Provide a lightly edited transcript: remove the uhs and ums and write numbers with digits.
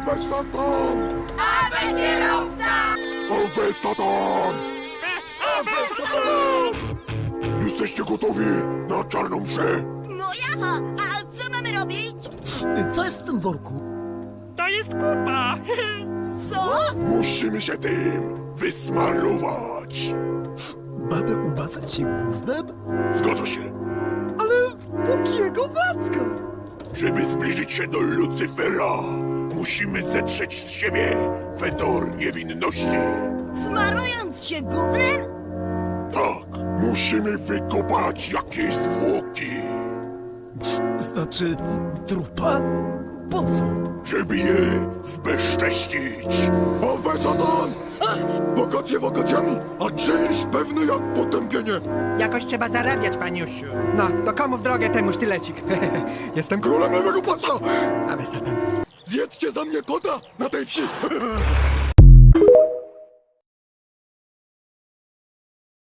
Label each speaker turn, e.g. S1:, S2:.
S1: Awe Satan!
S2: Awe kierowca!
S1: Awe Satan!
S2: Awe Satan!
S1: Jesteście gotowi na czarną mszę?
S2: No jaha, a co mamy robić?
S3: Co jest w tym worku?
S4: To jest kupa!
S2: Co?
S1: Musimy się tym wysmarować.
S3: Mamy umazać się gównem?
S1: Zgadza się.
S3: Ale jakiego wacka?
S1: Żeby zbliżyć się do Lucyfera, musimy zetrzeć z siebie fedor niewinności.
S2: Smarując się gównem?
S1: Tak, musimy wykopać jakieś zwłoki,
S3: Znaczy, trupa? Po co?
S1: żeby je zbezcześcić. Awe Satan! Wakacje wakacjami, a czynsz pewny jak potępienie.
S5: Jakoś trzeba zarabiać, paniusiu. No, to komu w drogę temu sztylecik? Jestem
S1: Królem lewego pasa!
S5: Awe Satan.
S1: Zjedzcie za mnie kota na tej wsi!